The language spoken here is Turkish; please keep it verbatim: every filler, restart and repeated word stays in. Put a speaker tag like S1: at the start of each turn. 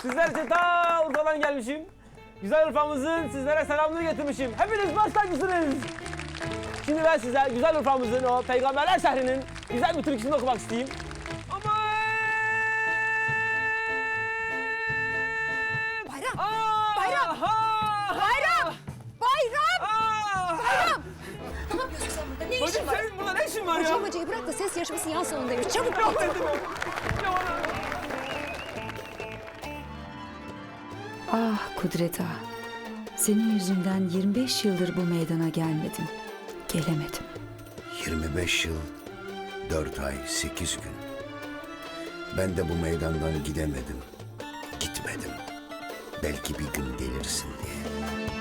S1: Sizler için ta Urfa'dan gelmişim. Güzel Urfa'mızın sizlere selamını getirmişim. Hepiniz baş tacısınız. Şimdi ben size güzel Urfa'mızın o Peygamberler şehrinin güzel bir türküsünü okumak isteyeyim. Aman!
S2: Bayram!
S1: Aa!
S2: Bayram!
S1: Ha!
S2: Bayram! Bayram!
S1: Aa!
S2: Bayram! Ne yapıyorsun sen burada? Ne işin
S1: Bacım
S2: var?
S1: senin burada ne işin var ya?
S2: Hocayı hocayı bırak da ses yarışması yan salondaymış. Çabuk ol.
S3: Ah Kudret Ağa, senin yüzünden yirmi beş yıldır bu meydana gelmedim. Gelemedim.
S4: yirmi beş yıl, dört ay, sekiz gün. Ben de bu meydandan gidemedim. Gitmedim. Belki bir gün gelirsin diye.